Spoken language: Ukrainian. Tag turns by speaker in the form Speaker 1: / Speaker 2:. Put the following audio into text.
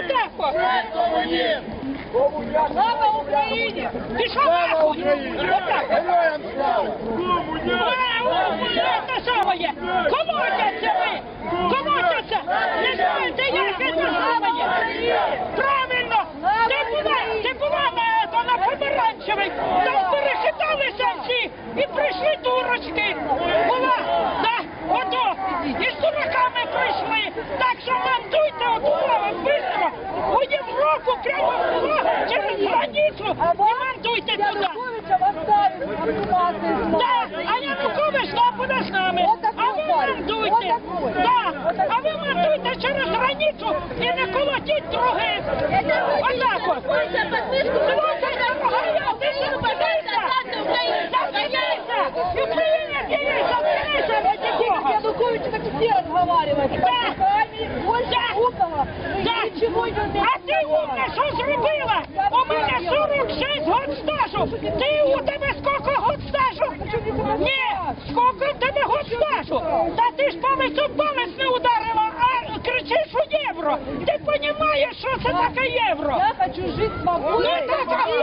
Speaker 1: Отако!
Speaker 2: Слава Україні!
Speaker 1: Пішов нахуй! Отак!
Speaker 3: Героям слава!
Speaker 1: Те саме! Колотяться ви! Колотяться! Не знаєте, як це саме! Правильно! Ти була на помаранчевій! Там перехиталися всі! І прийшли дурочки! Була! Так! Ото! І з дураками прийшли! Так що мандуйте отувала бистро! У Європу прямо через границю! І мандуйте туди! Так, а Янукович там буде з нами, а ви мандуйте, так, а ви мандуйте через границю і не колотіть других. Отак от. Слухайте, дорогая, ти ще впадайся, заткнися, і Україна діє, заткнися, раді Бога.
Speaker 2: Янукович так все разговаривает.
Speaker 1: Так, а ти умна, що зробила? У мене 46 год стажу. У тебе скільки год стажу? Ні, скільки в тебе год стажу? Та ти ж палець не ударила, а кричиш у євро. Ти розумієш, що це таке євро?
Speaker 2: Я хочу жить свободно.
Speaker 1: Ну так,